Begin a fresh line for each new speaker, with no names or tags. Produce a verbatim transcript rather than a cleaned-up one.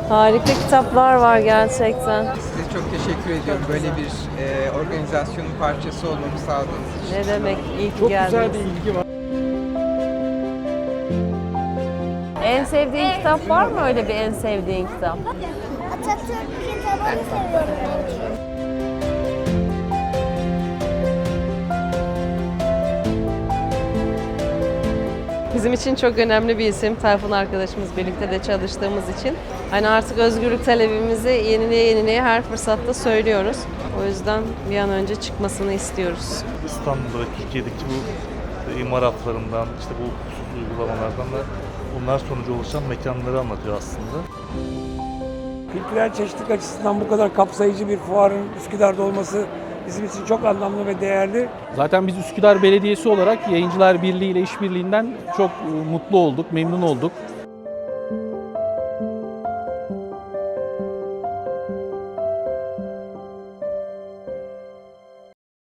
Harika kitaplar var gerçekten.
Size çok teşekkür ediyorum böyle bir e, organizasyonun parçası olmamı sağladığınız için.
Ne demek, iyi ki
Çok
geldiniz.
güzel bir ilgi var.
En sevdiğin kitap var mı, öyle bir en sevdiğin kitap?
Atatürk kitabını seviyorum.
Bizim için çok önemli bir isim. Tayfun arkadaşımız, birlikte de çalıştığımız için. Hani artık özgürlük talebimizi yenileye yenileye her fırsatta söylüyoruz. O yüzden bir an önce çıkmasını istiyoruz.
İstanbul'da ve Türkiye'deki bu imar hatlarından, işte bu hukuksuz uygulamalardan da bunlar sonucu oluşan mekanları anlatıyor aslında.
Kültürel çeşitlilik açısından bu kadar kapsayıcı bir fuarın Üsküdar'da olması bizim için çok anlamlı ve değerli.
Zaten biz Üsküdar Belediyesi olarak Yayıncılar Birliği ile işbirliğinden çok e, mutlu olduk, memnun olduk.